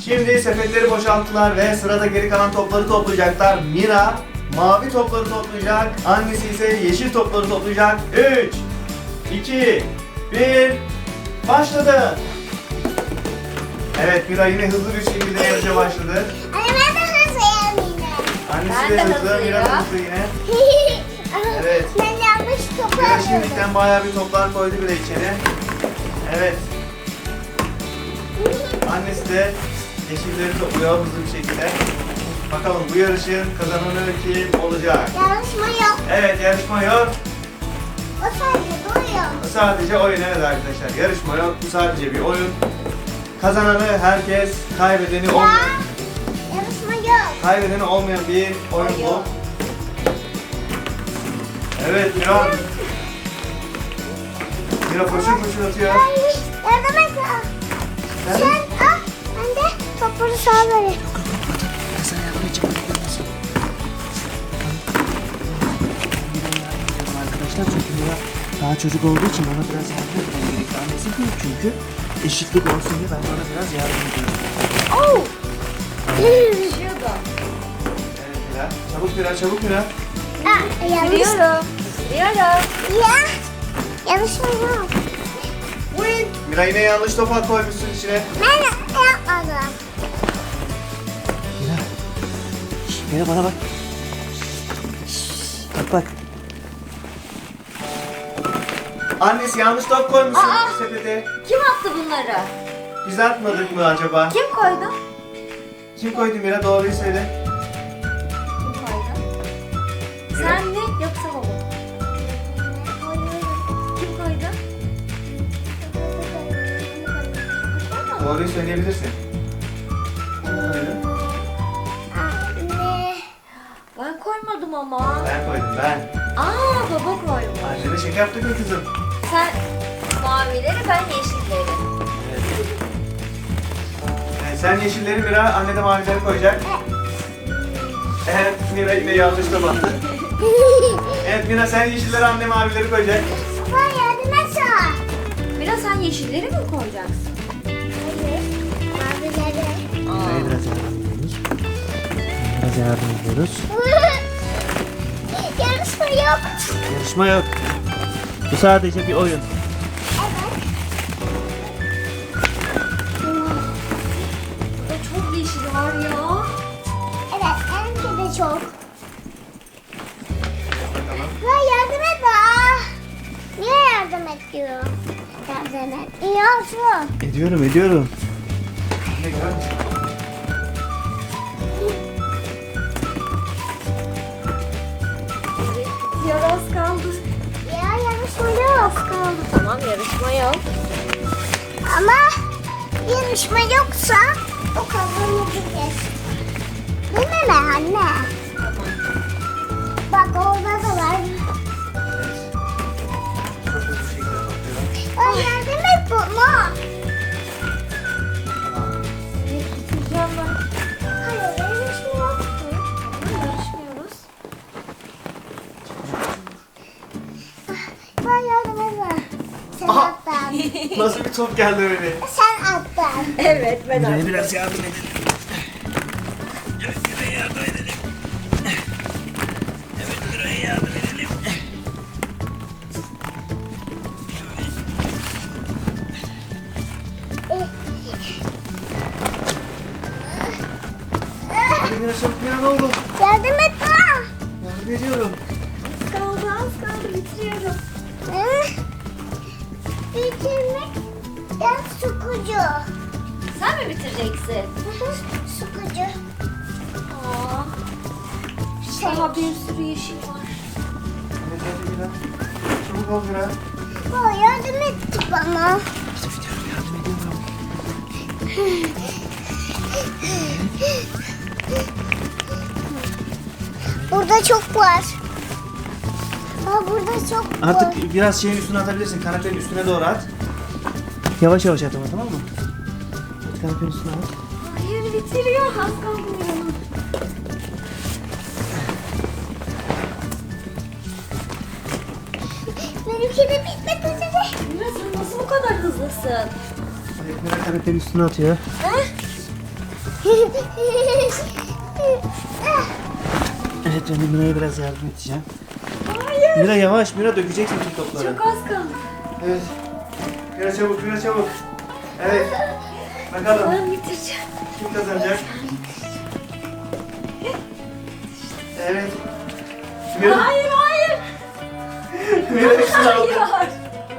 Şimdi sepetleri boşalttılar ve sırada geri kalan topları toplayacaklar. Mira mavi topları toplayacak. Annesi ise yeşil topları toplayacak. 3, 2, 1, başladı. Evet, Mira yine hızlı bir şekilde yarışa başladı. Anne ben de hızlıyım yine. Annesi de hızlı, Mira da hızlı yine. Evet. Ben yanlış topu Mira alıyordum. şimdiden bayağı bir toplar koydu bile içeri. Evet. Annesi de yeşilleri topluyor hızlı bir şekilde. Bakalım bu yarışın kazananı kim olacak? Yarışma yok. Evet, yarışma yok. O sadece duruyor. Bu sadece oyun, evet arkadaşlar. Yarışma yok. Bu sadece bir oyun. Kazananı herkes, kaybedeni olmayan, Yarışma yok. kaybedeni olmayan bir oyun bu. Evet, Mira. Mira koşur koşur atıyor. Ay, yardım et. Sen- Sen al. Ben de topları sağa vereyim. Ben sana yardım edeceğim. Arkadaşlar çünkü Mira daha çocuk olduğu için ona biraz yardım etmem gerekti. Annesi değil çünkü. Eşitlik olsun diye ben de ona biraz yardım ediyorum. Oh. Düşüyordu. Evet Mira. Çabuk Mira, çabuk Mira. Yanlış. Sürüyorum. Sürüyorum. Ya. Yarışma yok. Mira yine yanlış topa koymuşsun içine. Ben yapmadım. Mira. Mira bana bak. Bak bak. Annesi yanlış top koymuşsun sepete. Kim attı bunları? Biz atmadık mı acaba? Kim koydu? Kim koydu Mira? Doğruyu söyle. Kim koydu? Sen mi yoksa baba? Kim koydu? Doğruyu söyleyebilirsin. Kim koydu? Anne. Ben koymadım ama. Ben koydum, ben. Aa, baba koymuş. Annene şaka yaptık mı kızım? Sen mavileri, ben yeşilleri. Evet, sen yeşilleri Mira, anne de mavileri koyacak. Evet, Mira yine yanlış topa attı. Evet Mira, sen yeşilleri, anne mavileri koyacak. Baba yardım et. Biraz sen yeşilleri mi koyacaksın? Hayır. Mavileri. Mira'ya biraz yardım ediyoruz. Biraz yardım ediyoruz. Yarışma yok. Yarışma yok. Bu sadece bir oyun. Burada çok yeşil var ya. Evet, benimki de çok. Bakalım. Ya yardım et bana. Niye yardım et diyor? Yardım et. İyi olsun. Ediyorum ediyorum. Ne güzel. Bitiyor, az kaldı. Ya yarışma yok. Kaldı, tamam, yarışma yok. Ama yarışma yoksa o kazanabilir. Değil mi anne? Bak orada da var. Evet. Çok hızlı bir şekilde topluyorum. Ay yardım et bana. Tamam. Bitireceğim ben. Hayır yarışma yok. Tamam, yarışmıyoruz. Ben yardım et bana. Sen Aha! attın. Nasıl bir top geldi öyle? Sen attın. Evet, ben Mira'ya attım. biraz yardım edelim. Evet Mira'ya yardım edelim. Evet Mira'ya yardım edelim. Hadi Mira, çabuk Mira, ne oldu? Yardım et bana. Yardım ediyorum. Az kaldı, az kaldı, bitiriyorum. Bitirmek. Ben sukucu. Sen mi bitireceksin? Sukucu. Aa, Şey. daha bir sürü yeşil var. Evet hadi Mira. Çabuk ol Mira. Baba yardım etti bana. Yardım ediyorum. Burada çok var. Burada çok var. Artık biraz şeyin üstüne atabilirsin. Kanepenin üstüne doğru at. Yavaş yavaş at ama tamam mı? Kanepenin üstüne at. Hayır, bitiriyor. Az kaldı yanım. Benimki de bitmek üzere. Mira, sen nasıl bu kadar hızlısın? Evet Mira kanepenin üstüne atıyor. Evet, ben de Mira'ya biraz yardım edeceğim. Hayır. Mira yavaş, Mira dökeceksin tüm topları. Çok az kaldı. Evet. Mira çabuk, Mira çabuk. Evet. Bakalım Ben bitireceğim. kim kazanacak? Evet. Mira, Hayır hayır. Mira hepsini aldı. Hayır.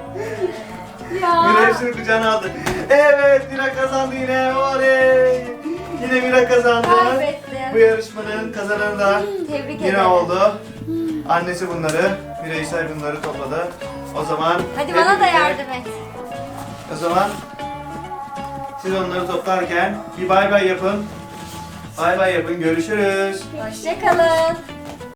Mira Ya. hepsini kucağına aldı. Evet, Mira kazandı yine. Oley. Yine Mira kazandı. Kaybettim. Bu yarışmanın kazananı da Tebrik ederim. Mira oldu. Annesi bunları, Mira İsa bunları topladı. O zaman Hadi hep bana da birlikte- yardım et. O zaman siz onları toplarken bir bay bay yapın. Bay bay yapın. Görüşürüz. Hoşçakalın.